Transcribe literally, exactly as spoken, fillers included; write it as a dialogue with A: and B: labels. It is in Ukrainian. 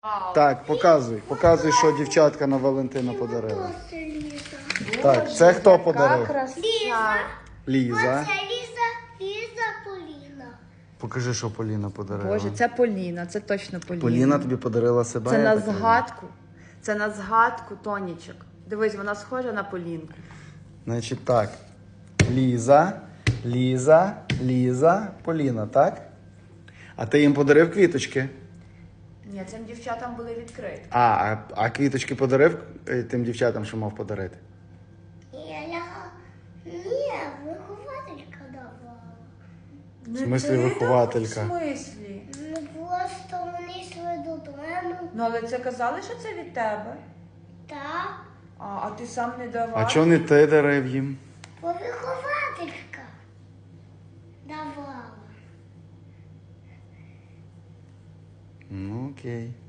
A: Вау.
B: Так, показуй. Показуй, що дівчатка на Валентина подарила.
C: Це Ліза.
B: Так, це хто
A: Яка
B: подарив?
A: краса.
B: Ліза.
C: Оце Ліза, Ліза Поліна.
B: Покажи, що Поліна подарила.
A: Боже, це Поліна, це точно Поліна.
B: Поліна тобі подарила себе.
A: Це
B: я
A: на
B: так розумію?
A: згадку. Це на згадку Тонічок. Дивись, вона схожа на Полінку.
B: Значить так. Ліза, Ліза, Ліза, Поліна, так? А ти їм подарив квіточки?
A: Ні, цим дівчатам були відкриті.
B: А, а, а квіточки подарив е, тим дівчатам, що мав подарити?
C: Я ляга. Ні, вихователька давала.
B: В смислі вихователька?
A: В смислі?
C: Ну просто вони йшли додому.
A: Ну, але це казали, що це від тебе.
C: Так,
A: А, а ти сам не давав?
B: А чого не ти дарив їм?
C: бо вихователька давала.
B: Ну, окей.